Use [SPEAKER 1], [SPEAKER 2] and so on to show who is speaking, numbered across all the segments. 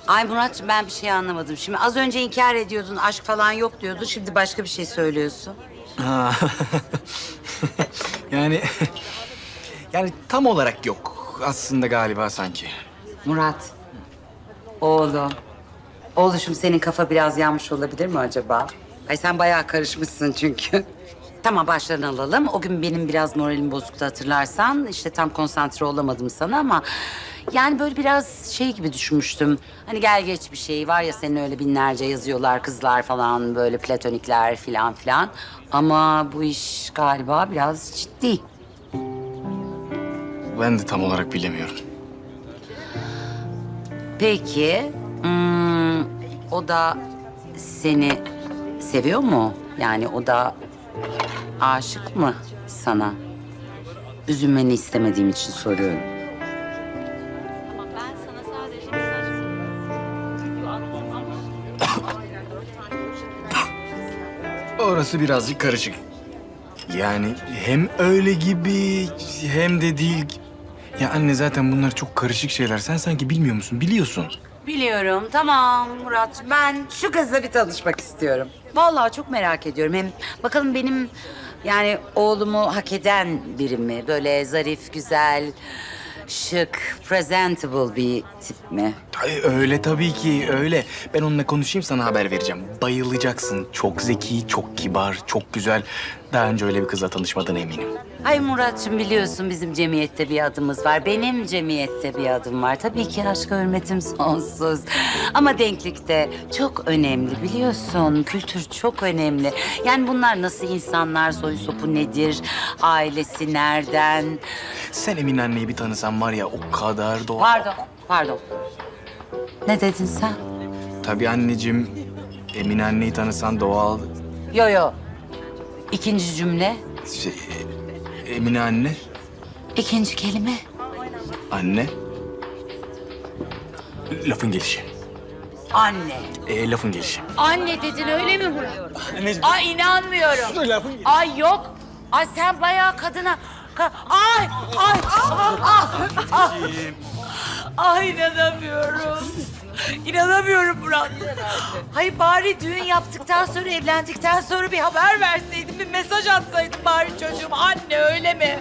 [SPEAKER 1] Ay Muratcığım ben bir şey anlamadım. Şimdi az önce inkar ediyordun, aşk falan yok diyordun. Şimdi başka bir şey söylüyorsun.
[SPEAKER 2] Ha. yani yani tam olarak yok aslında galiba sanki.
[SPEAKER 1] Murat, oğlum. Oğluşum senin kafa biraz yanmış olabilir mi acaba? Ay sen bayağı karışmışsın çünkü. Tamam başlarını alalım. O gün benim biraz moralim bozuktu hatırlarsan. İşte tam konsantre olamadım sana ama... Yani böyle biraz şey gibi düşünmüştüm. Hani gel geç bir şey var ya senin öyle binlerce yazıyorlar kızlar falan böyle platonikler filan filan. Ama bu iş galiba biraz ciddi.
[SPEAKER 2] Ben de tam olarak bilemiyorum.
[SPEAKER 1] Peki, o da seni seviyor mu? Yani o da aşık mı sana? Üzülmeni istemediğim için soruyorum.
[SPEAKER 2] Orası birazcık karışık. Yani hem öyle gibi hem de değil. Ya anne zaten bunlar çok karışık şeyler. Sen sanki bilmiyor musun? Biliyorsun.
[SPEAKER 1] Biliyorum, tamam Murat. Ben şu kızla bir tanışmak istiyorum. Vallahi çok merak ediyorum. Hem bakalım benim yani oğlumu hak eden biri mi? Böyle zarif, güzel, şık, presentable bir tip mi?
[SPEAKER 2] Ay, öyle tabii ki öyle. Ben onunla konuşayım sana haber vereceğim. Bayılacaksın. Çok zeki, çok kibar, çok güzel. Daha önce öyle bir kızla tanışmadığına eminim.
[SPEAKER 1] Ay Muratçım biliyorsun bizim cemiyette bir adımız var. Benim cemiyette bir adım var. Tabii ki aşka hürmetim sonsuz. Ama denklik de çok önemli biliyorsun. Kültür çok önemli. Yani bunlar nasıl insanlar, soyu sopu nedir, ailesi nereden?
[SPEAKER 2] Sen Emine anneyi bir tanısan var ya o kadar doğal.
[SPEAKER 1] Pardon. Ne dedin sen?
[SPEAKER 2] Tabii anneciğim. Emine anneyi tanısan doğal.
[SPEAKER 1] Yo. İkinci cümle,
[SPEAKER 2] Şey, Emine anne.
[SPEAKER 1] ikinci kelime.
[SPEAKER 2] Anne. Lafın gelişi.
[SPEAKER 1] Anne.
[SPEAKER 2] Lafın gelişi.
[SPEAKER 3] Anne dedin öyle mi Murat? Ay inanmıyorum. Ay yok. Ay sen bayağı kadına... Ay! Ay inanamıyorum. İnanamıyorum Murat. Hayır bari düğün yaptıktan sonra, evlendikten sonra bir haber verseydin, bir mesaj atsaydın bari çocuğum. Anne öyle mi?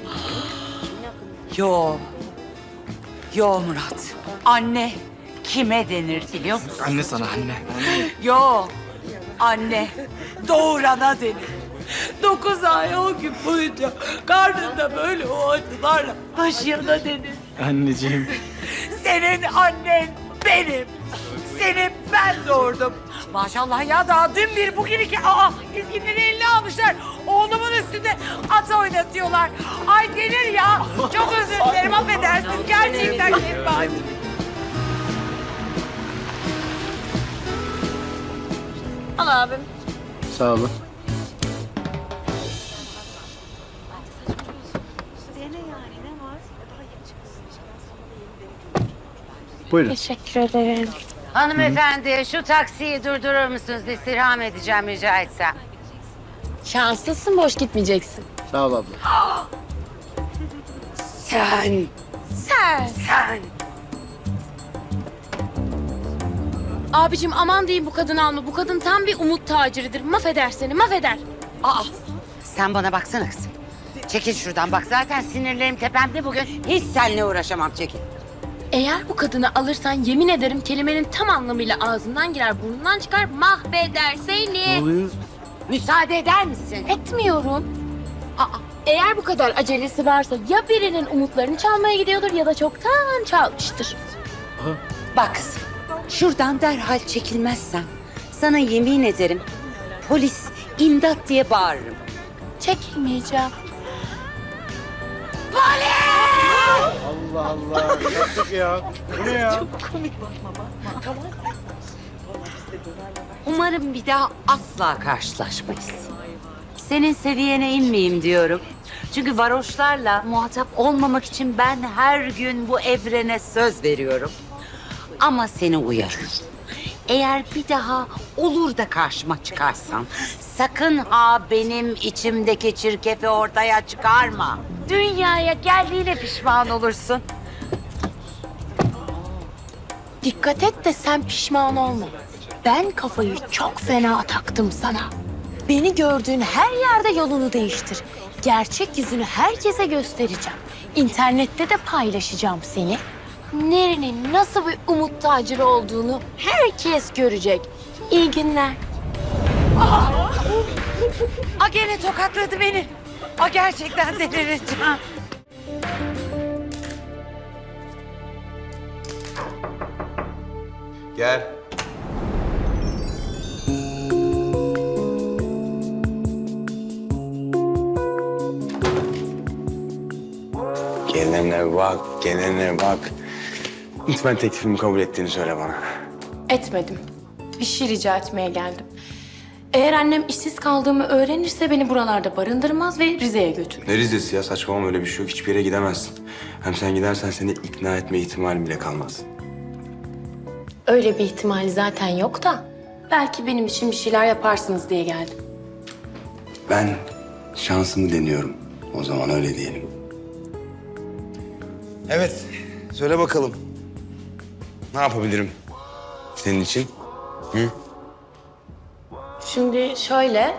[SPEAKER 1] Yo Murat. Anne kime denir biliyor musun?
[SPEAKER 2] Anne sana anne.
[SPEAKER 1] Yo. Anne doğurana denir.
[SPEAKER 3] 9 ay 10 gün boyunca karnında böyle o acılarla taşıyana denir.
[SPEAKER 2] Anneciğim.
[SPEAKER 3] Senin annen benim. Seni ben doğurdum. Maşallah ya daha dün bir bugün iki. Dizginleri eline almışlar. Oğlumun üstünde at oynatıyorlar. Ay denir ya. Çok özür dilerim affedersiniz. Gerçekten kelime. Al abim.
[SPEAKER 2] Sağ olun. Buyurun.
[SPEAKER 4] Teşekkür ederim.
[SPEAKER 1] Hanımefendi şu taksiyi durdurur musunuz? İstirham edeceğim rica etsem.
[SPEAKER 4] Şanslısın, boş gitmeyeceksin.
[SPEAKER 2] Sağ ol abla.
[SPEAKER 1] Sen.
[SPEAKER 4] Abicim aman diyeyim bu kadını alma. Bu kadın tam bir umut taciridir. Mahveder seni, mahveder.
[SPEAKER 1] Sen bana baksana kızım. Çekil şuradan bak zaten sinirlerim tepemde bugün. Hiç seninle uğraşamam çekil.
[SPEAKER 4] Eğer bu kadını alırsan yemin ederim kelimenin tam anlamıyla ağzından girer, burnundan çıkar, mahveder seni.
[SPEAKER 1] Müsaade eder misin?
[SPEAKER 4] Etmiyorum. Eğer bu kadar acelesi varsa ya birinin umutlarını çalmaya gidiyordur ya da çoktan çalmıştır.
[SPEAKER 1] Bak kızım şuradan derhal çekilmezsen sana yemin ederim polis imdat diye bağırırım.
[SPEAKER 4] Çekilmeyeceğim.
[SPEAKER 5] Allah Allah. Yaptık ya. Bu ne ya?
[SPEAKER 1] Umarım bir daha asla karşılaşmayız. Senin seviyene inmeyeyim diyorum. Çünkü varoşlarla muhatap olmamak için ben her gün bu evrene söz veriyorum. Ama seni uyarıyorum. Eğer bir daha olur da karşıma çıkarsan sakın ha benim içimdeki çirkefi ortaya çıkarma. Dünyaya geldiğine pişman olursun.
[SPEAKER 4] Dikkat et de sen pişman olma. Ben kafayı çok fena taktım sana. Beni gördüğün her yerde yolunu değiştir. Gerçek yüzünü herkese göstereceğim. İnternette de paylaşacağım seni. Neri'nin nasıl bir umut taciri olduğunu herkes görecek. İyi günler.
[SPEAKER 3] A gene tokatladı beni. A gerçekten delireceğim.
[SPEAKER 5] Gel.
[SPEAKER 6] Gelene bak, gelene bak. Lütfen teklifimi kabul ettiğini söyle bana.
[SPEAKER 4] Etmedim. Bir şey rica etmeye geldim. Eğer annem işsiz kaldığımı öğrenirse beni buralarda barındırmaz ve Rize'ye götürür.
[SPEAKER 6] Ne Rize'si ya? Saçmalama, öyle bir şey yok. Hiçbir yere gidemezsin. Hem sen gidersen seni ikna etme ihtimalim bile kalmaz.
[SPEAKER 4] Öyle bir ihtimal zaten yok da belki benim için bir şeyler yaparsınız diye geldim.
[SPEAKER 6] Ben şansımı deniyorum. O zaman öyle diyelim. Evet, söyle bakalım. Ne yapabilirim senin için? Hı?
[SPEAKER 4] Şimdi şöyle...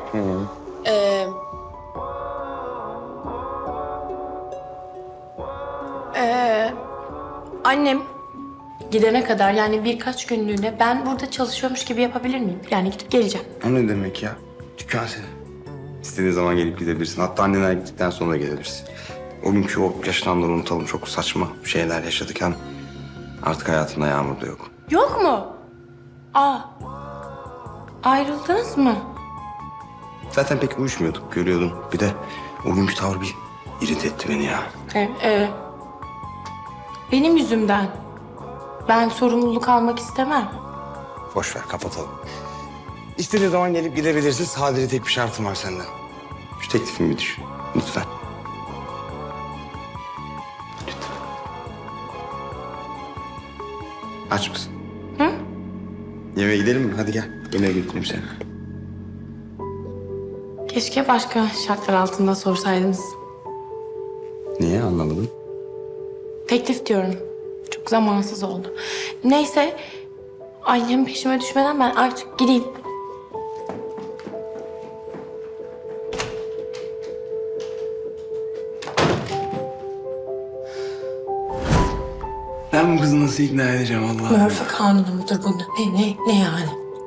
[SPEAKER 4] Annem gidene kadar yani birkaç günlüğüne ben burada çalışıyormuş gibi yapabilir miyim? Yani gidip geleceğim.
[SPEAKER 6] O ne demek ya? Dükkan senin. İstediğin zaman gelip gidebilirsin. Hatta anneler gittikten sonra gelebilirsin. O günkü o yaşananları unutalım. Çok saçma şeyler yaşadık. Hem artık hayatımda Yağmur da yok.
[SPEAKER 4] Yok mu? Aa. Ayrıldınız mı?
[SPEAKER 6] Zaten pek uyuşmuyorduk, görüyordun. Bir de o günkü tavır bir irite etti beni ya.
[SPEAKER 4] Benim yüzümden. Ben sorumluluk almak istemem.
[SPEAKER 6] Boş ver, kapatalım. İstediğin zaman gelip gidebilirsin. Sadece tek bir şartım var senden. Şu teklifimi bir düşün. Lütfen. Lütfen. Aç mısın?
[SPEAKER 4] Hı?
[SPEAKER 6] Yemeğe gidelim mi? Hadi gel. Yemeğe götüreyim seni.
[SPEAKER 4] Keşke başka şartlar altında sorsaydınız.
[SPEAKER 6] Niye? Anlamadım.
[SPEAKER 4] Teklif diyorum. Çok zamansız oldu. Neyse, annem peşime düşmeden ben artık gideyim.
[SPEAKER 6] Ben bu kızı nasıl ikna edeceğim Allah'ım?
[SPEAKER 4] Murphy kanunu mudur bu? Ne yani?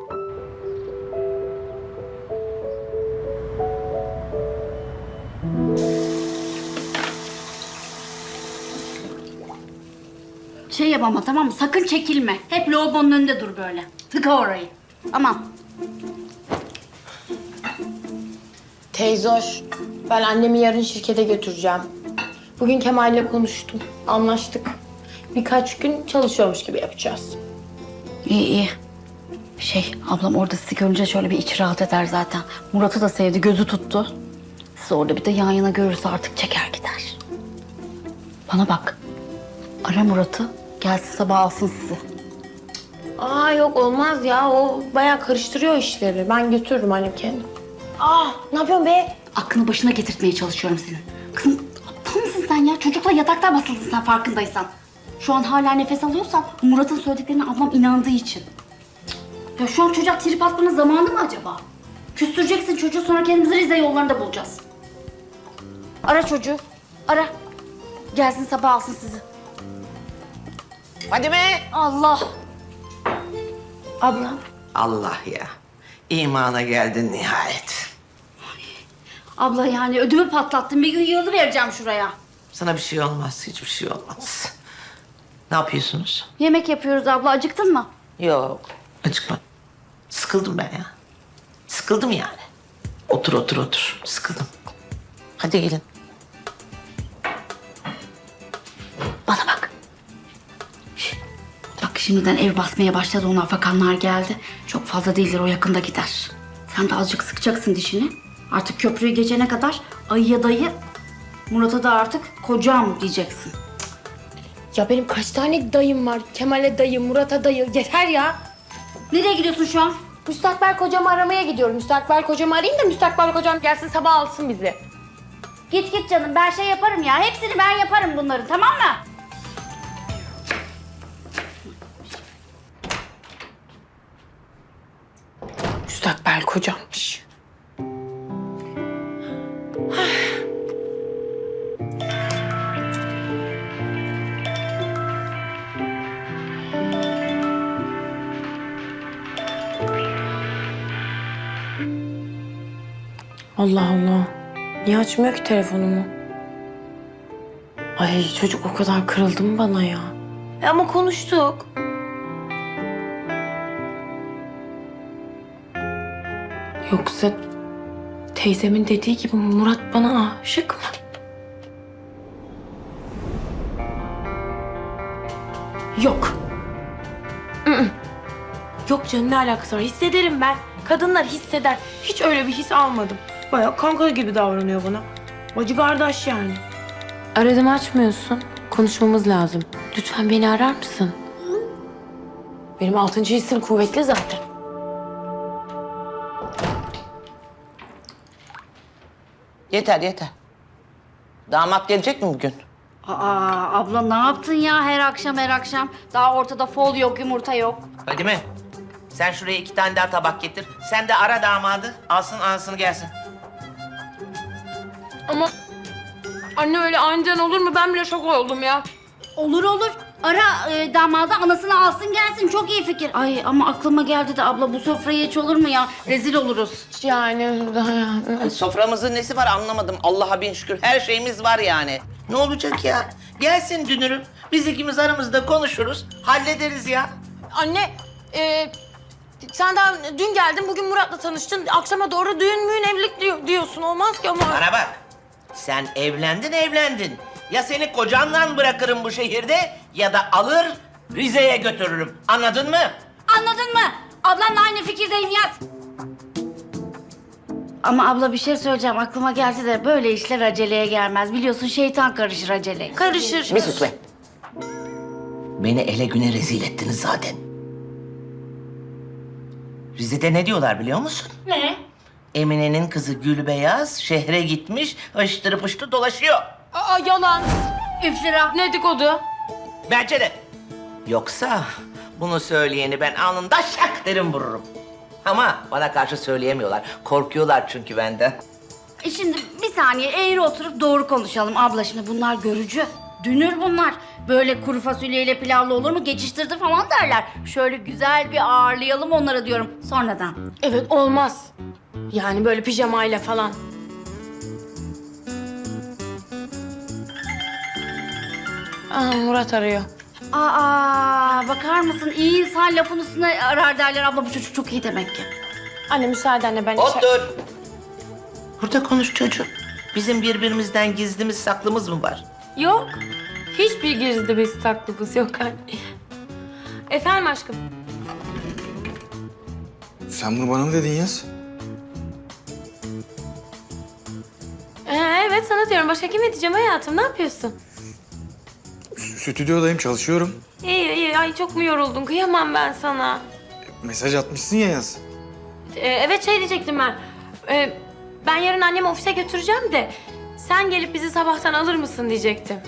[SPEAKER 7] Şey yap ama, tamam mı? Sakın çekilme. Hep lavabonun önünde dur böyle. Tıka orayı. Tamam.
[SPEAKER 4] Teyzoş, ben annemi yarın şirkete götüreceğim. Bugün Kemal'le konuştum. Anlaştık. Birkaç gün çalışıyormuş gibi yapacağız.
[SPEAKER 7] İyi iyi. Ablam orada sizi görünce şöyle bir içi rahat eder zaten. Murat'ı da sevdi, gözü tuttu. Sizi orada bir de yan yana görürse artık çeker gider. Bana bak. Ara Murat'ı. Gelsin sabah alsın sizi.
[SPEAKER 4] Aa yok olmaz ya. O bayağı karıştırıyor işleri. Ben götürürüm annem kendim. Aa ne yapıyorsun be?
[SPEAKER 7] Aklını başına getirtmeye çalışıyorum senin. Kızım aptal mısın sen ya? Çocukla yatakta basıldın sen farkındaysan. Şu an hala nefes alıyorsan Murat'ın söylediklerine ablam inandığı için. Cık. Ya şu an çocuğa trip atmanın zamanı mı acaba? Küstüreceksin çocuğu, sonra kendimizi Rize yollarında bulacağız. Ara çocuğu. Ara. Gelsin sabah alsın sizi.
[SPEAKER 3] Fadime.
[SPEAKER 7] Allah. Abla.
[SPEAKER 3] Allah ya. İmana geldin nihayet.
[SPEAKER 7] Abla yani ödümü patlattın. Bir gün yığılı vereceğim şuraya.
[SPEAKER 3] Sana bir şey olmaz. Hiçbir şey olmaz. Ne yapıyorsunuz?
[SPEAKER 7] Yemek yapıyoruz abla. Acıktın mı?
[SPEAKER 3] Yok. Acıkma. Sıkıldım ben ya. Sıkıldım yani. Otur otur otur. Sıkıldım. Hadi gelin.
[SPEAKER 7] Bana bak. Bak şimdiden ev basmaya başladı. Ona afakanlar geldi. Çok fazla değildir, o yakında gider. Sen de azıcık sıkacaksın dişini. Artık köprüyü geçene kadar ayıya dayı, Murat'a da artık kocam diyeceksin.
[SPEAKER 4] Ya benim kaç tane dayım var? Kemal'e dayı, Murat'a dayı. Yeter ya.
[SPEAKER 7] Nereye gidiyorsun şu an?
[SPEAKER 4] Müstakbel kocamı aramaya gidiyorum. Müstakbel kocamı arayayım da müstakbel kocam gelsin sabah alsın bizi.
[SPEAKER 7] Git git canım, ben şey yaparım ya. Hepsini ben yaparım bunları, tamam mı?
[SPEAKER 4] Müstakbel kocammış. Allah Allah. Niye açmıyor ki telefonumu? Ay çocuk o kadar kırıldı mı bana ya? Ama konuştuk. Yoksa teyzemin dediği gibi Murat bana aşık mı? Yok. Yok canım, ne alakası var? Hissederim ben. Kadınlar hisseder. Hiç öyle bir his almadım. Bayağı kanka gibi davranıyor bana. Bacı kardeş yani. Aradım, açmıyorsun. Konuşmamız lazım. Lütfen beni arar mısın? Benim 6. hissim kuvvetli zaten.
[SPEAKER 8] Yeter yeter. Damat gelecek mi bugün?
[SPEAKER 7] Aa abla ne yaptın ya her akşam her akşam? Daha ortada fol yok, yumurta yok.
[SPEAKER 8] Hadi mi? Sen şuraya 2 tane daha tabak getir. Sen de ara damadı. Alsın anasını gelsin.
[SPEAKER 4] Ama anne öyle aniden olur mu? Ben bile şok oldum ya.
[SPEAKER 7] Olur olur. Ara damadı anasını alsın gelsin. Çok iyi fikir. Ay ama aklıma geldi de abla bu sofrayı hiç olur mu ya? Rezil oluruz.
[SPEAKER 4] Yani
[SPEAKER 8] Soframızın nesi var anlamadım. Allah'a bin şükür her şeyimiz var yani. Ne olacak ya? Gelsin dünürüm. Biz ikimiz aramızda konuşuruz. Hallederiz ya.
[SPEAKER 4] anne, sen daha dün geldin, bugün Murat'la tanıştın. Akşama doğru düğün müğün evlilik diyorsun. Olmaz ki ama.
[SPEAKER 8] Bana bak. Sen evlendin. Ya seni kocanla bırakırım bu şehirde ya da alır Rize'ye götürürüm. Anladın mı?
[SPEAKER 7] Anladın mı? Ablamla aynı fikirdeyim yaz. Ama abla bir şey söyleyeceğim. Aklıma geldi de böyle işler aceleye gelmez. Biliyorsun şeytan karışır aceleye.
[SPEAKER 4] Karışır.
[SPEAKER 8] Bir sus be. Beni ele güne rezil ettiniz zaten. Rize'de ne diyorlar biliyor musun?
[SPEAKER 7] Ne?
[SPEAKER 8] Emine'nin kızı Gülbeyaz şehre gitmiş, ıştırı pıştı dolaşıyor.
[SPEAKER 4] Aa, yalan.
[SPEAKER 7] İftira.
[SPEAKER 4] Ne dedikodu?
[SPEAKER 8] Bence de. Yoksa bunu söyleyeni ben alnında şak derim vururum. Ama bana karşı söyleyemiyorlar. Korkuyorlar çünkü benden.
[SPEAKER 7] Şimdi bir saniye eğri oturup doğru konuşalım abla. Şimdi bunlar görücü. Dünür bunlar. Böyle kuru fasulyeyle pilavlı olur mu? Geçiştirdi falan derler. Şöyle güzel bir ağırlayalım onları diyorum sonradan.
[SPEAKER 4] Evet, olmaz. Yani böyle pijamayla falan. Murat arıyor.
[SPEAKER 7] Aa bakar mısın? İyi insan lafın üstüne arar derler abla. Bu çocuk çok iyi demek ki.
[SPEAKER 4] Anne müsaadenle ben
[SPEAKER 8] Otur. Burada konuş çocuğum. Bizim birbirimizden gizlimiz saklımız mı var?
[SPEAKER 4] Yok. Hiçbir gizli bir saklımız yok anne. Efendim aşkım.
[SPEAKER 2] Sen bunu bana mı dedin Yaz?
[SPEAKER 4] Evet, sana diyorum. Başka kime diyeceğim hayatım? Ne yapıyorsun?
[SPEAKER 2] Stüdyodayım, çalışıyorum.
[SPEAKER 4] İyi. Ay çok mu yoruldun? Kıyamam ben sana.
[SPEAKER 2] Mesaj atmışsın ya Yaz.
[SPEAKER 4] Evet, şey diyecektim ben. Ben yarın annemi ofise götüreceğim de sen gelip bizi sabahtan alır mısın diyecektim.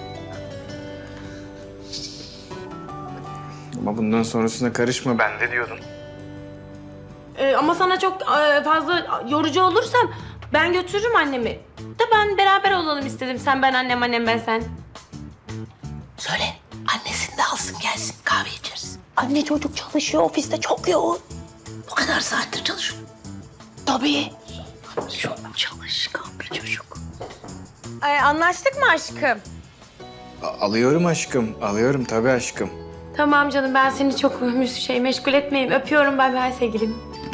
[SPEAKER 2] Ama bundan sonrasına karışma ben de diyordun.
[SPEAKER 4] Ama sana çok fazla yorucu olursam ben götürürüm annemi. Da ben beraber olalım istedim. Sen ben annem ben sen.
[SPEAKER 8] Söyle. Annesini de alsın gelsin. Kahve içeriz.
[SPEAKER 4] Anne çocuk çalışıyor ofiste, çok yoğun.
[SPEAKER 8] Bu kadar saattir çalışıyor.
[SPEAKER 4] Tabii.
[SPEAKER 7] Çok çalışkan bir çocuk.
[SPEAKER 4] Anlaştık mı aşkım?
[SPEAKER 2] Alıyorum aşkım, alıyorum tabii aşkım.
[SPEAKER 4] Tamam canım, ben seni çok meşgul etmeyeyim. Öpüyorum, bay bay sevgilim.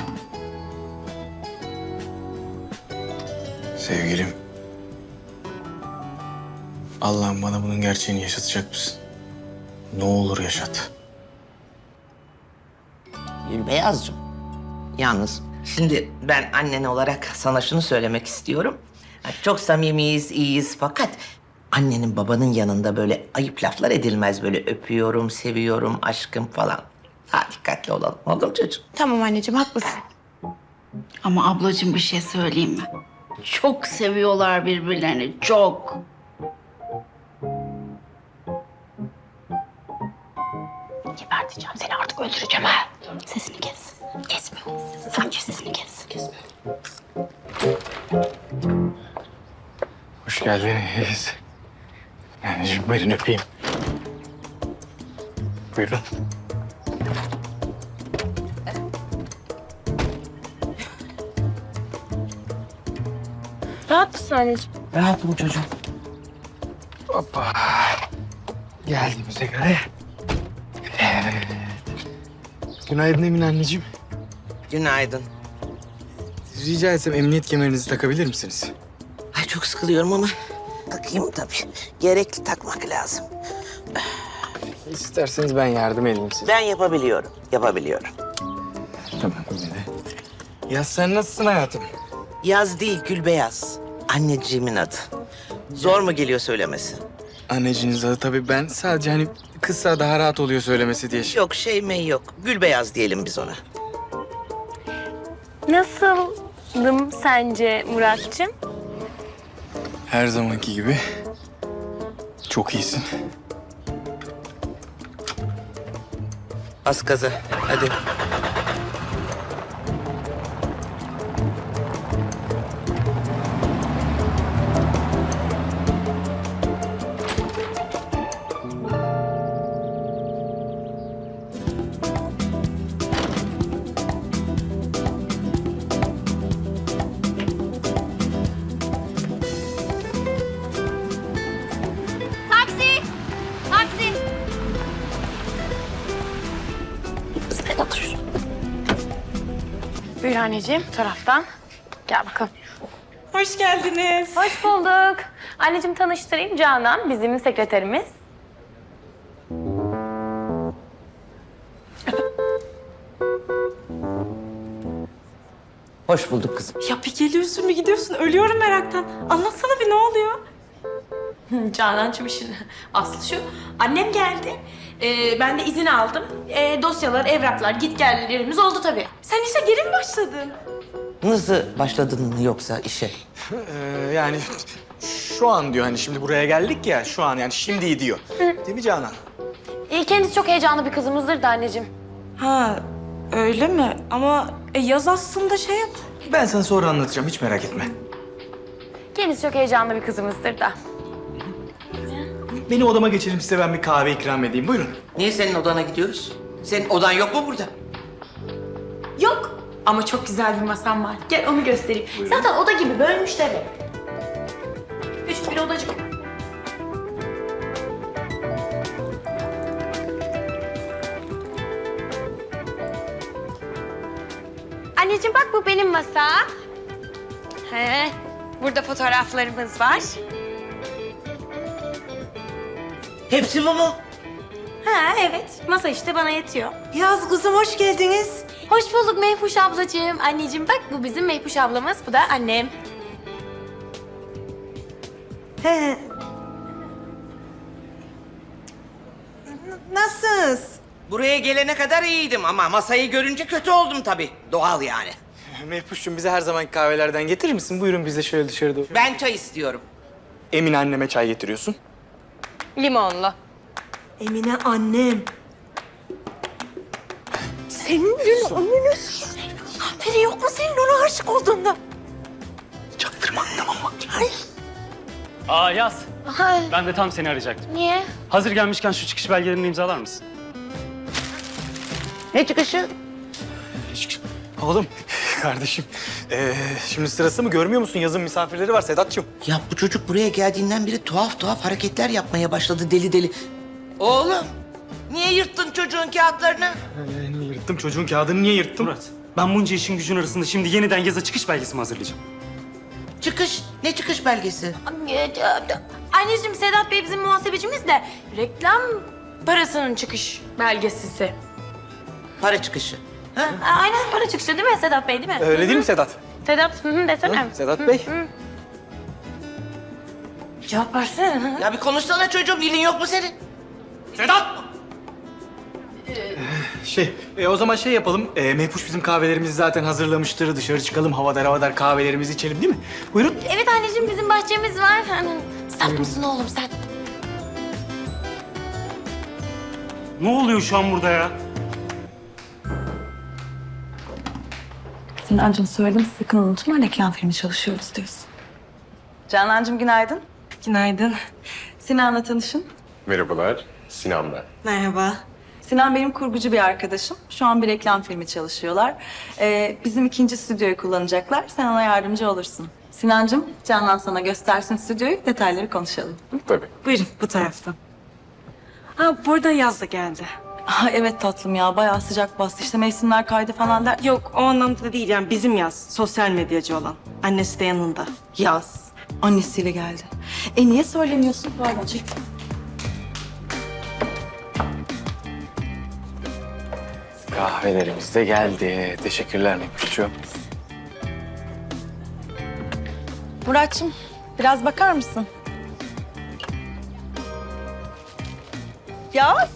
[SPEAKER 2] Sevgilim. Allah'ım bana bunun gerçeğini yaşatacak mısın? Ne olur yaşat.
[SPEAKER 8] Gülbeyazcığım. Yalnız şimdi ben annen olarak sana şunu söylemek istiyorum. Çok samimiyiz, iyiyiz fakat annenin babanın yanında böyle ayıp laflar edilmez. Böyle öpüyorum, seviyorum, aşkım falan. Daha dikkatli olalım. Oldu mu çocuğum?
[SPEAKER 4] Tamam anneciğim, haklısın.
[SPEAKER 7] Ama ablacığım bir şey söyleyeyim mi? Çok seviyorlar birbirlerini. Çok.
[SPEAKER 4] Geberteceğim seni, artık öldüreceğim ha.
[SPEAKER 7] Sesini kes.
[SPEAKER 4] Kesme. Fakir sesini kes.
[SPEAKER 2] Hoş geldiniz. Anneciğim buyurun öpeyim. Buyurun.
[SPEAKER 4] Rahat mısın anneciğim?
[SPEAKER 8] Rahatım çocuğum.
[SPEAKER 2] Hoppa. Geldiğimize göre. Evet. Günaydın Emine anneciğim.
[SPEAKER 8] Günaydın.
[SPEAKER 2] Rica etsem emniyet kemerinizi takabilir misiniz?
[SPEAKER 8] Ay çok sıkılıyorum ama takayım tabii. Gerekli takmak lazım.
[SPEAKER 2] İsterseniz ben yardım edeyim size.
[SPEAKER 8] Ben yapabiliyorum.
[SPEAKER 2] Tamam yine de. Ya sen nasılsın hayatım?
[SPEAKER 8] Yaz değil Gülbeyaz. Anneciğimin adı. Zor mu geliyor söylemesi?
[SPEAKER 2] Anneciniz adı tabii, ben sadece hani kısa daha rahat oluyor söylemesi diye.
[SPEAKER 8] Yok şey mey yok. Gülbeyaz diyelim biz ona.
[SPEAKER 4] Nasıldım sence Muratcığım?
[SPEAKER 2] Her zamanki gibi. Çok iyisin.
[SPEAKER 8] Bas gaza. Hadi.
[SPEAKER 4] Taksi! Taksi! Sen otur. Buyur anneciğim, bu taraftan. Gel bakalım.
[SPEAKER 9] Hoş geldiniz.
[SPEAKER 4] Hoş bulduk. Anneciğim tanıştırayım, Canan bizim sekreterimiz.
[SPEAKER 8] Hoş bulduk kızım.
[SPEAKER 9] Ya bir geliyorsun bir gidiyorsun. Ölüyorum meraktan. Anlatsana bir ne oluyor?
[SPEAKER 10] Canancığım işin aslı şu. Annem geldi. Ben de izin aldım. Dosyalar, evraklar, gitgellerimiz oldu tabii.
[SPEAKER 9] Sen işe geri mi başladın?
[SPEAKER 8] Nasıl başladın yoksa işe?
[SPEAKER 2] Yani şu an diyor, hani şimdi buraya geldik ya, şu an yani şimdi diyor. Değil mi Canan?
[SPEAKER 4] Kendisi çok heyecanlı bir kızımızdır da anneciğim.
[SPEAKER 9] Ha öyle mi? Ama yaz aslında şey yap.
[SPEAKER 2] Ben sana sonra anlatacağım, hiç merak etme.
[SPEAKER 4] Kendisi çok heyecanlı bir kızımızdır da.
[SPEAKER 2] Beni odama geçelim, size ben bir kahve ikram edeyim. Buyurun.
[SPEAKER 8] Niye senin odana gidiyoruz? Senin odan yok mu burada?
[SPEAKER 10] Yok. Ama çok güzel bir masam var. Gel onu göstereyim. Zaten oda gibi bölmüşler hep. Küçük bir odacık.
[SPEAKER 4] Anneciğim bak bu benim masa. Burada fotoğraflarımız var.
[SPEAKER 8] Hepsi bu mu?
[SPEAKER 10] Ha evet. Masa işte bana yetiyor.
[SPEAKER 9] Yaz kızım hoş geldiniz.
[SPEAKER 4] Hoş bulduk Meypuş ablacığım. Anneciğim bak bu bizim Meypuş ablamız, bu da annem.
[SPEAKER 9] He. Nasılsınız?
[SPEAKER 8] Buraya gelene kadar iyiydim ama masayı görünce kötü oldum tabii. Doğal yani.
[SPEAKER 2] Mehpuş'cum bize her zamanki kahvelerden getirir misin? Buyurun, biz de şöyle dışarıda.
[SPEAKER 8] Ben çay istiyorum.
[SPEAKER 2] Emine anneme çay getiriyorsun.
[SPEAKER 4] Limonlu.
[SPEAKER 9] Emine annem. Senin dün annenin haberi yok mu senin ona aşık olduğunda?
[SPEAKER 2] Çaktırma, tamam mı?
[SPEAKER 11] Aa Yaz. Ben de tam seni arayacaktım.
[SPEAKER 4] Niye?
[SPEAKER 11] Hazır gelmişken şu çıkış belgelerini imzalar mısın?
[SPEAKER 8] Ne çıkışı?
[SPEAKER 2] Oğlum, kardeşim. Şimdi sırası mı, görmüyor musun? Yazın misafirleri var Sedat'cığım.
[SPEAKER 8] Ya bu çocuk buraya geldiğinden beri tuhaf tuhaf hareketler yapmaya başladı deli deli. Oğlum, niye yırttın çocuğun kağıtlarını?
[SPEAKER 2] Niye yırttım? Çocuğun kağıdını niye yırttım?
[SPEAKER 11] Murat, ben bunca işin gücün arasında şimdi yeniden yaza çıkış belgesi mi hazırlayacağım?
[SPEAKER 8] Çıkış, ne çıkış belgesi?
[SPEAKER 10] Anneciğim Sedat Bey bizim muhasebecimiz de reklam parasının çıkış belgesisi.
[SPEAKER 8] Para çıkışı. Ha?
[SPEAKER 10] Aynen para çıkışı değil mi Sedat Bey değil mi?
[SPEAKER 2] Öyle değil mi Sedat?
[SPEAKER 4] Sedat desene.
[SPEAKER 2] Sedat Bey.
[SPEAKER 10] Cevap versene.
[SPEAKER 8] Ya bir konuşsana çocuğum, dilin yok mu senin?
[SPEAKER 11] Sedat!
[SPEAKER 2] O zaman şey yapalım. Mehpuş bizim kahvelerimizi zaten hazırlamıştır. Dışarı çıkalım, havadar kahvelerimizi içelim değil mi? Buyurun.
[SPEAKER 4] Evet anneciğim bizim bahçemiz var. Saf mısın oğlum sen?
[SPEAKER 11] Ne oluyor şu an burada ya?
[SPEAKER 9] Sinancığım söyledim sakın unutma reklam filmi çalışıyoruz diyorsun. Canancığım günaydın. Günaydın. Sinan'la tanışın.
[SPEAKER 5] Merhabalar, Sinan ben.
[SPEAKER 9] Merhaba. Sinan benim kurgucu bir arkadaşım. Şu an bir reklam filmi çalışıyorlar. Bizim ikinci stüdyoyu kullanacaklar. Sen ona yardımcı olursun. Sinancığım, Canan sana göstersin stüdyoyu. Detayları konuşalım.
[SPEAKER 5] Tabii.
[SPEAKER 9] Buyurun bu taraftan. Ha burada yaz da geldi. Ha, evet tatlım ya bayağı sıcak bastı. İşte mevsimler kaydı falan der.
[SPEAKER 12] Yok o anlamda değil yani bizim yaz. Sosyal medyacı olan. Annesi de yanında.
[SPEAKER 9] Yaz. Annesiyle geldi. Niye söylemiyorsun? Pardon çek.
[SPEAKER 2] Kahvelerimiz de geldi. Teşekkürler Mekbuş'cuğum.
[SPEAKER 9] Muratçım biraz bakar mısın? Yaz.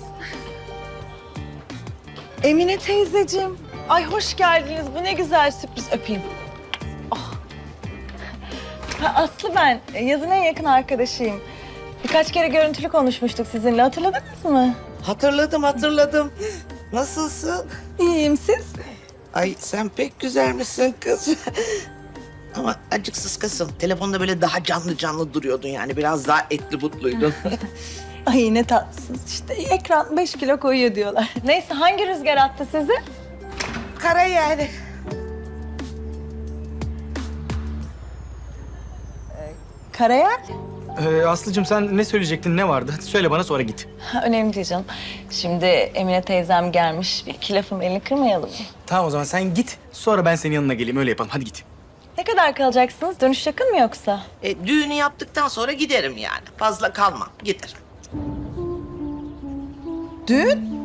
[SPEAKER 9] Emine teyzeciğim. Ay hoş geldiniz. Bu ne güzel sürpriz. Öpeyim. Oh. Ha, Aslı ben. Yazın en yakın arkadaşıyım. Birkaç kere görüntülü konuşmuştuk sizinle. Hatırladınız mı?
[SPEAKER 8] Hatırladım. Nasılsın?
[SPEAKER 9] İyiyim siz?
[SPEAKER 8] Ay sen pek güzel misin kız? Ama acık sıskasın. Telefonda böyle daha canlı duruyordun yani. Biraz daha etli butluydun.
[SPEAKER 9] Ay ne tatlısınız. İşte ekran 5 kilo koyuyor diyorlar. Neyse hangi rüzgar attı sizi?
[SPEAKER 8] Kara yani.
[SPEAKER 9] Karayel.
[SPEAKER 2] Aslı'cığım sen ne söyleyecektin, ne vardı? Hadi söyle bana sonra git.
[SPEAKER 9] Ha, önemli değil canım. Şimdi Emine teyzem gelmiş. Bir iki lafım elini kırmayalım mı?
[SPEAKER 2] Tamam o zaman sen git. Sonra ben senin yanına geleyim. Öyle yapalım. Hadi git.
[SPEAKER 9] Ne kadar kalacaksınız? Dönüş yakın mı yoksa?
[SPEAKER 8] Düğünü yaptıktan sonra giderim yani. Fazla kalmam. Giderim.
[SPEAKER 9] Düğün?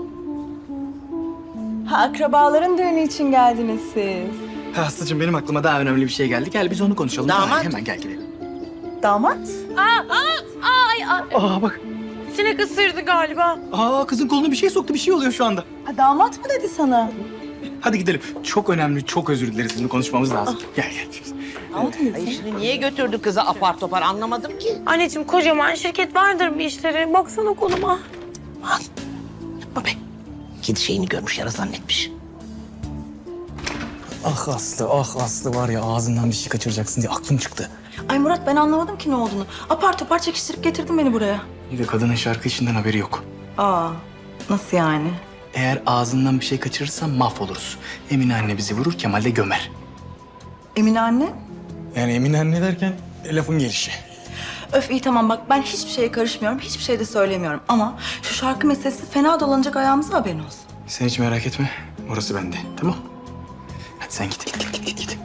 [SPEAKER 9] Ha, akrabaların düğünü için geldiniz siz.
[SPEAKER 2] Aslı'cığım benim aklıma daha önemli bir şey geldi. Gel biz onu konuşalım.
[SPEAKER 8] Damat.
[SPEAKER 2] Hemen gel gidelim.
[SPEAKER 9] Damat?
[SPEAKER 2] Aa bak.
[SPEAKER 10] Sinek ısırdı galiba.
[SPEAKER 2] Aa kızın koluna bir şey soktu. Bir şey oluyor şu anda.
[SPEAKER 9] Ha, damat mı dedi sana?
[SPEAKER 2] Hadi gidelim. Çok önemli, çok özür dileriz. Bunu konuşmamız lazım. Gel.
[SPEAKER 9] Damat mı dedi
[SPEAKER 8] Ay
[SPEAKER 9] sana?
[SPEAKER 8] şimdi niye götürdü kızı apar topar anlamadım ki.
[SPEAKER 10] Anneciğim kocaman şirket vardır bir işleri. Baksana koluma.
[SPEAKER 8] Aman yapma be. Kedi şeyini görmüş yara zannetmiş.
[SPEAKER 2] Ah Aslı var ya ağzından bir şey kaçıracaksın diye aklım çıktı.
[SPEAKER 9] Ay Murat ben anlamadım ki ne olduğunu. Apar topar çekiştirip getirdin beni buraya.
[SPEAKER 2] Bir de kadının şarkı işinden haberi yok.
[SPEAKER 9] Aa nasıl yani?
[SPEAKER 2] Eğer ağzından bir şey kaçırırsan mahvoluruz. Emine anne bizi vurur, Kemal de gömer.
[SPEAKER 9] Emine anne?
[SPEAKER 2] Yani Emine anne derken lafın gelişi.
[SPEAKER 9] Öf iyi tamam bak ben hiçbir şeye karışmıyorum. Hiçbir şey de söylemiyorum. Ama şu şarkı meselesi fena dolanacak ayağımıza haberin olsun.
[SPEAKER 2] Sen hiç merak etme. Orası bende. Tamam. Hadi sen git. Git.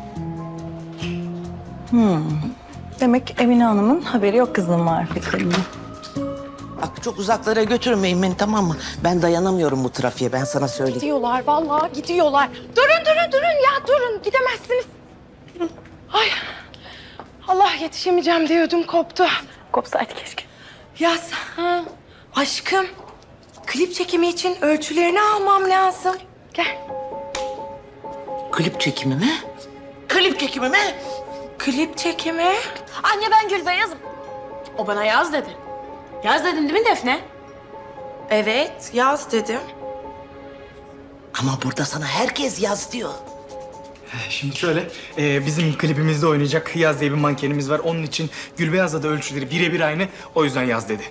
[SPEAKER 9] Demek Emine Hanım'ın haberi yok kızının marifetlerinden.
[SPEAKER 8] Bak çok uzaklara götürmeyin beni tamam mı? Ben dayanamıyorum bu trafiğe ben sana söyleyeyim.
[SPEAKER 10] Gidiyorlar vallahi gidiyorlar. Durun ya durun gidemezsiniz. Ay Allah yetişemeyeceğim diye ödüm koptu. Kopsaydı keşke.
[SPEAKER 12] Yaz. Aşkım. Klip çekimi için ölçülerini almam lazım.
[SPEAKER 10] Gel.
[SPEAKER 8] Klip çekimi mi? Klip çekimi mi?
[SPEAKER 12] Klip çekimi?
[SPEAKER 10] Anne ben Gülbeyaz'ım. O bana yaz dedi. Yaz dedin değil mi Defne?
[SPEAKER 12] Evet yaz dedim.
[SPEAKER 8] Ama burada sana herkes yaz diyor.
[SPEAKER 2] Şimdi şöyle, bizim klibimizde oynayacak Yaz diye bir mankenimiz var. Onun için Gülbeyaz'la da ölçüleri birebir aynı. O yüzden Yaz dedi.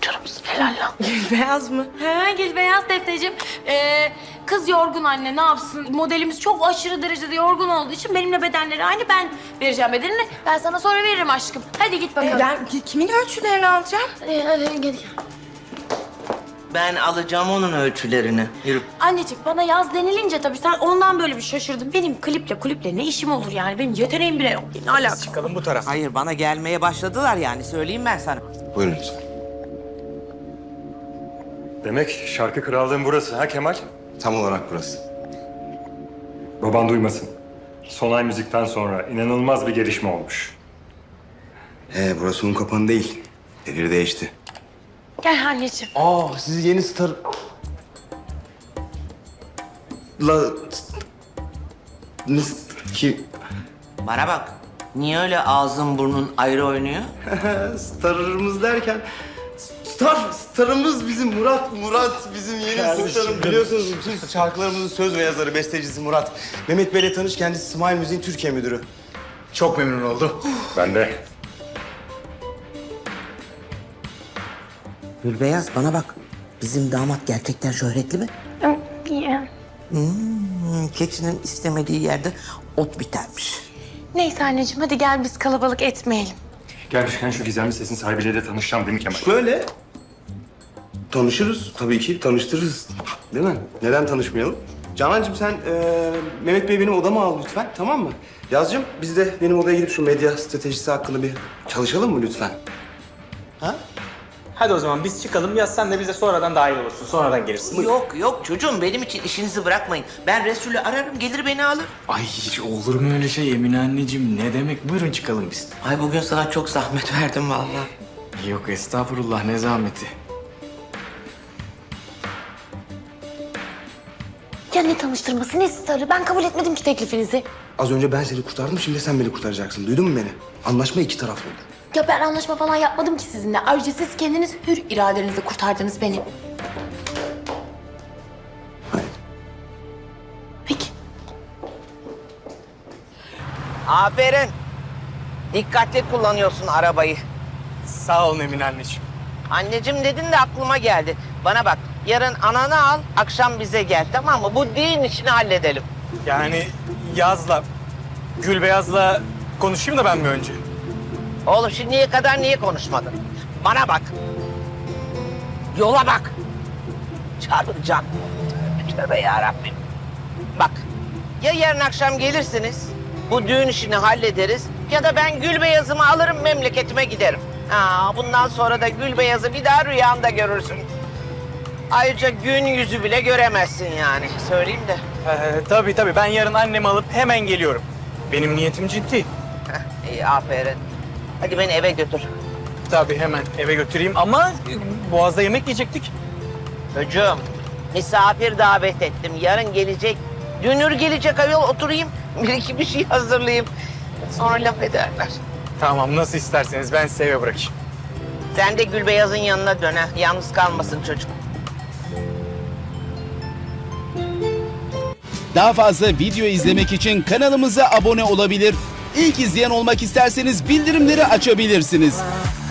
[SPEAKER 12] Beyaz mı?
[SPEAKER 10] He Gülbeyaz Defneciğim. Kız yorgun anne ne yapsın? Modelimiz çok aşırı derecede yorgun olduğu için benimle bedenleri aynı. Ben vereceğim bedenini. Ben sana sonra veririm aşkım. Hadi git bakalım.
[SPEAKER 12] Ben kimin ölçülerini alacağım?
[SPEAKER 10] Hadi gel.
[SPEAKER 8] Ben alacağım onun ölçülerini. Yürü.
[SPEAKER 10] Anneciğim bana yaz denilince tabii sen ondan böyle bir şaşırdın. Benim kliple ne işim olur yani? Benim yeteneğim bile yok. Ne alakası?
[SPEAKER 2] Çıkalım bu taraf.
[SPEAKER 8] Hayır bana gelmeye başladılar yani söyleyeyim ben sana.
[SPEAKER 6] Buyurun lütfen.
[SPEAKER 5] Demek şarkı krallığın burası ha Kemal?
[SPEAKER 6] Tam olarak burası.
[SPEAKER 5] Baban duymasın. Sonay Müzik'ten sonra inanılmaz bir gelişme olmuş.
[SPEAKER 6] Burası un kapanı değil. Devir değişti.
[SPEAKER 10] Gel anneciğim.
[SPEAKER 6] Siz yeni star... La... Ki...
[SPEAKER 8] Bana bak. Niye öyle ağzın burnun ayrı oynuyor?
[SPEAKER 6] Starımız derken... Starımız bizim Murat
[SPEAKER 13] Murat bizim yeni sultanım. Biliyorsunuz bütün şarkılarımızın söz ve yazarı, bestecisi Murat. Mehmet Bey'le tanış, kendisi Smile Müziğin Türkiye müdürü.
[SPEAKER 2] Çok memnun oldum.
[SPEAKER 5] Ben de.
[SPEAKER 8] Gülbeyaz bana bak. Bizim damat gerçekten şöhretli mi? Keçinin istemediği yerde ot bitermiş.
[SPEAKER 4] Neyse anneciğim hadi gel biz kalabalık etmeyelim.
[SPEAKER 5] Gelmişken şu gizemli sesin sahibiyle de tanışacağım değil mi Kemal?
[SPEAKER 13] Şöyle tanışırız tabii ki, tanıştırırız. Değil mi? Neden tanışmayalım? Canancığım sen Mehmet Bey benim odama al lütfen, tamam mı? Yazcığım biz de benim odaya gidip şu medya stratejisi hakkında bir çalışalım mı lütfen?
[SPEAKER 11] Ha? Hadi o zaman biz çıkalım. Yaz sen de bize sonradan dahil olursun. Sonradan gelirsin.
[SPEAKER 8] Yok çocuğum benim için işinizi bırakmayın. Ben Resul'ü ararım gelir beni alır.
[SPEAKER 2] Ay hiç olur mu öyle şey Emine anneciğim? Ne demek? Buyurun çıkalım biz.
[SPEAKER 8] Ay bugün sana çok zahmet verdim vallahi.
[SPEAKER 2] Yok estağfurullah ne zahmeti.
[SPEAKER 4] Ya ne tanıştırması ne starı ben kabul etmedim ki teklifinizi.
[SPEAKER 13] Az önce ben seni kurtardım, şimdi sen beni kurtaracaksın. Duydun mu beni? Anlaşma iki taraflı olur.
[SPEAKER 4] Ya ben anlaşma falan yapmadım ki sizinle. Ayrıca siz kendiniz hür iradenizle kurtardınız beni.
[SPEAKER 13] Hayır.
[SPEAKER 4] Peki.
[SPEAKER 8] Aferin. Dikkatli kullanıyorsun arabayı.
[SPEAKER 11] Sağ olun Emine anneciğim.
[SPEAKER 8] Anneciğim dedin de aklıma geldi. Bana bak yarın ananı al akşam bize gel tamam mı? Bu düğün işini halledelim.
[SPEAKER 11] Yani Yaz'la, Gülbeyaz'la konuşayım da ben mi önce?
[SPEAKER 8] Oğlum şimdiye kadar niye konuşmadın? Bana bak. Yola bak. Çarpacağım. Tövbe yarabbim. Bak ya yarın akşam gelirsiniz. Bu düğün işini hallederiz. Ya da ben Gülbeyaz'ımı alırım memleketime giderim. Bundan sonra da Gülbeyaz'ı bir daha rüyanda görürsün. Ayrıca gün yüzü bile göremezsin yani. Söyleyeyim de.
[SPEAKER 11] Tabii ben yarın annemi alıp hemen geliyorum. Benim niyetim ciddi.
[SPEAKER 8] İyi aferin. Hadi beni eve götür.
[SPEAKER 11] Tabii hemen eve götüreyim ama Boğaz'da yemek yiyecektik.
[SPEAKER 8] Çocuğum, misafir davet ettim. Yarın gelecek. Dünür gelecek ayol oturayım. Bir iki bir şey hazırlayayım. Sonra laf ederler.
[SPEAKER 11] Tamam nasıl isterseniz ben size eve bırakayım.
[SPEAKER 8] Sen de Gülbeyaz'ın yanına dön ha. Yalnız kalmasın çocuk.
[SPEAKER 14] Daha fazla video izlemek için kanalımıza abone olabilir. İlk izleyen olmak isterseniz bildirimleri açabilirsiniz.